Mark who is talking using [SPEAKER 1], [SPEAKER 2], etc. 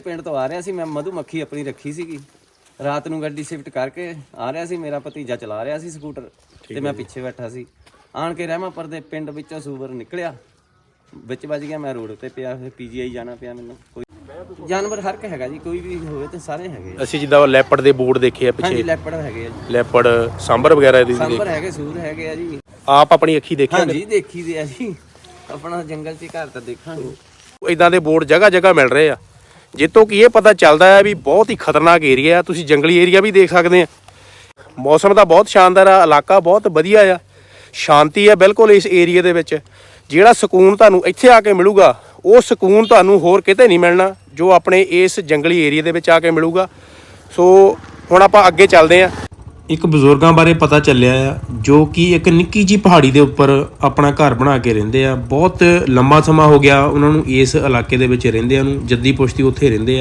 [SPEAKER 1] ਪਿੰਡ ਤੋਂ ਆ ਰਿਹਾ ਸੀ, ਮੈਂ ਮਧੂਮੱਖੀ ਆਪਣੀ ਰੱਖੀ ਸੀਗੀ। ਰਾਤ ਨੂੰ ਗੱਡੀ ਸ਼ਿਫਟ ਕਰਕੇ ਆ ਰਿਹਾ ਸੀ, ਮੇਰਾ ਭਤੀਜਾ ਚਲਾ ਰਿਹਾ ਸੀ ਸਕੂਟਰ ਤੇ ਮੈਂ ਪਿੱਛੇ ਬੈਠਾ ਸੀ। ਆਣ ਕੇ ਰਹਿਮਾਪੁਰ ਦੇ ਪਿੰਡ ਵਿੱਚੋਂ ਸੂਵਰ ਨਿਕਲਿਆ, ਵਿੱਚ ਵੱਜ ਗਿਆ। ਮੈਂ ਰੋਡ ਤੇ ਪਿਆ, ਫਿਰ ਪੀਜੀਆਈ ਜਾਣਾ ਪਿਆ ਮੈਨੂੰ। ਕੋਈ ਜਾਨਵਰ ਹਰ ਇੱਕ ਹੈਗਾ ਜੀ, ਕੋਈ ਵੀ ਹੋਵੇ ਤੇ ਸਾਰੇ ਹੈਗੇ।
[SPEAKER 2] ਅਸੀਂ ਜਿੱਦਾਂ ਲੈਪੜ ਦੇ ਬੋਰਡ ਦੇਖੇ ਆ ਪਿੱਛੇ,
[SPEAKER 1] ਹਾਂਜੀ ਲੈਪੜ ਹੈਗੇ ਆ ਜੀ,
[SPEAKER 2] ਲੈਪੜ ਸਾਂਬਰ ਵਗੈਰਾ ਦੀ
[SPEAKER 1] ਸਾਂਬਰ ਹੈਗੇ, ਸੂਰ ਹੈਗੇ ਆ ਜੀ।
[SPEAKER 2] ਆਪ ਆਪਣੀ ਅੱਖੀ ਦੇਖਿਆ?
[SPEAKER 1] ਹਾਂਜੀ ਦੇਖੀ ਦੇ ਆ ਜੀ, ਆਪਣਾ ਜੰਗਲ 'ਚ ਘਰ ਤਾਂ ਦੇਖਾਂਗੇ।
[SPEAKER 2] ਇਦਾਂ ਦੇ ਬੋਰਡ ਜਗ੍ਹਾ ਜਗ੍ਹਾ ਮਿਲ ਰਹੇ ਆ, ਜਿੱਤੋਂ ਕਿ ਇਹ ਪਤਾ ਚੱਲਦਾ ਹੈ ਵੀ ਬਹੁਤ ਹੀ ਖਤਰਨਾਕ ਏਰੀਆ ਆ। ਤੁਸੀਂ ਜੰਗਲੀ ਏਰੀਆ ਵੀ ਦੇਖ ਸਕਦੇ ਆ। ਮੌਸਮ ਦਾ ਬਹੁਤ ਸ਼ਾਨਦਾਰ ਆ, ਇਲਾਕਾ ਬਹੁਤ ਵਧੀਆ ਆ, ਸ਼ਾਂਤੀ ਆ ਬਿਲਕੁਲ ਇਸ ਏਰੀਏ ਦੇ ਵਿੱਚ। ਜਿਹੜਾ ਸਕੂਨ ਤੁਹਾਨੂੰ ਇੱਥੇ ਆ ਕੇ ਮਿਲੂਗਾ, ਉਹ ਸਕੂਨ ਤੁਹਾਨੂੰ ਹੋਰ ਕਿਤੇ ਨਹੀਂ ਮਿਲਣਾ ਜੋ ਆਪਣੇ ਇਸ ਜੰਗਲੀ ਏਰੀਏ ਦੇ ਵਿੱਚ ਆ ਕੇ ਮਿਲੂਗਾ। ਸੋ ਹੁਣ ਆਪਾਂ ਅੱਗੇ ਚੱਲਦੇ ਹਾਂ। ਇੱਕ ਬਜ਼ੁਰਗਾਂ ਬਾਰੇ ਪਤਾ ਚੱਲਿਆ ਆ, ਜੋ ਕਿ ਇੱਕ ਨਿੱਕੀ ਜਿਹੀ ਪਹਾੜੀ ਦੇ ਉੱਪਰ ਆਪਣਾ ਘਰ ਬਣਾ ਕੇ ਰਹਿੰਦੇ ਆ। ਬਹੁਤ ਲੰਮਾ ਸਮਾਂ ਹੋ ਗਿਆ ਉਹਨਾਂ ਨੂੰ ਇਸ ਇਲਾਕੇ ਦੇ ਵਿੱਚ ਰਹਿੰਦਿਆਂ ਨੂੰ, ਜੱਦੀ ਪੁਸ਼ਤੀ ਉੱਥੇ ਰਹਿੰਦੇ ਆ।